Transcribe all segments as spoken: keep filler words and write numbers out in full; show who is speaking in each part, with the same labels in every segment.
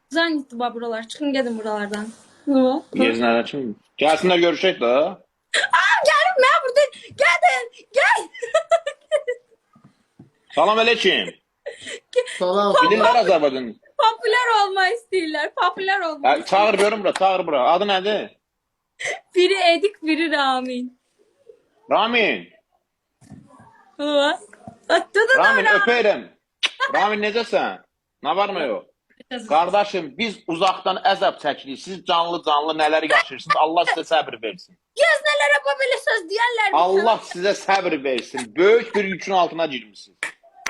Speaker 1: Zannetti ba buralar. Çıxın gedin buralardan. Hı.
Speaker 2: Yeznələr üçün. Gəlsinlər görüşək də.
Speaker 1: Gəlin mən burada. Gedin. Gel.
Speaker 2: Salam aleyküm.
Speaker 3: Salam.
Speaker 2: Bilirlər Azərbaycan.
Speaker 1: Popüler olmak istiyorlar. Popüler olmak
Speaker 2: Hə, çağır görüm bura, çağır bura. Adı nədir?
Speaker 1: Biri Edik, biri Ramin.
Speaker 2: Ramin.
Speaker 1: Hı. Tutun
Speaker 2: Ramin
Speaker 1: ona.
Speaker 2: öpeyim. Ramin necəsən? Nə var mı yox? Qardaşım, biz uzaqdan əzab çəkirik. Siz canlı canlı nələr yaşayırsınız. Allah sizə səbir versin.
Speaker 1: Göznelere bu böyle söz diyenler.
Speaker 2: Allah sizə səbir versin. Böyük bir yükün altına girmişsiniz.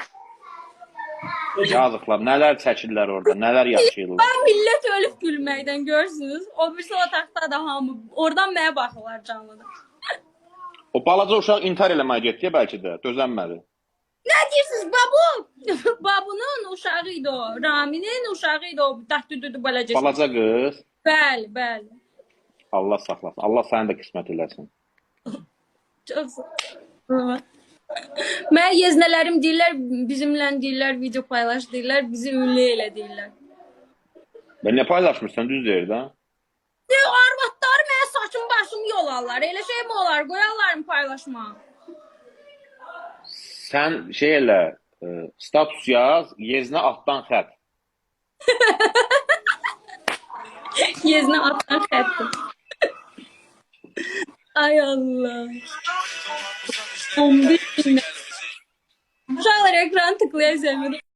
Speaker 2: Yazıqlar, nələr çəkirlər orada, nələr yaşayırlar.
Speaker 1: Ben millet ölüp gülməkdən görsünüz. O birisi otaqda da hamı. Oradan mənə baxırlar canlıda.
Speaker 2: O balaca uşaq intihar eləməyə getdi bəlkə də, dözənmədi.
Speaker 1: Ne diyorsunuz babu? Babunun uşağıydı o. Rami'nin uşağıydı o. Dəhdüdüdü balacası.
Speaker 2: Balaca qız,
Speaker 1: Bəli, bəli.
Speaker 2: Allah saxlasın. Allah səni də qismət eləsin.
Speaker 1: Çok sağ Mən yeznələrim deyirlər, bizimlə deyirlər, video paylaş deyirlər, bizi ünlü elə deyirlər.
Speaker 2: Ben ne paylaşmışsan düz deyir də.
Speaker 1: Ne arvadları mənə saçım başım yolarlar. Elə şey mi olar? Qoyarlar mı paylaşma?
Speaker 2: Sən şey elə, e, status yaz, yeznə altdan xət.
Speaker 1: Yeznə atdan xətti. Ay Allah. on bir gündən. Uşaqlar ekran tıklayasın.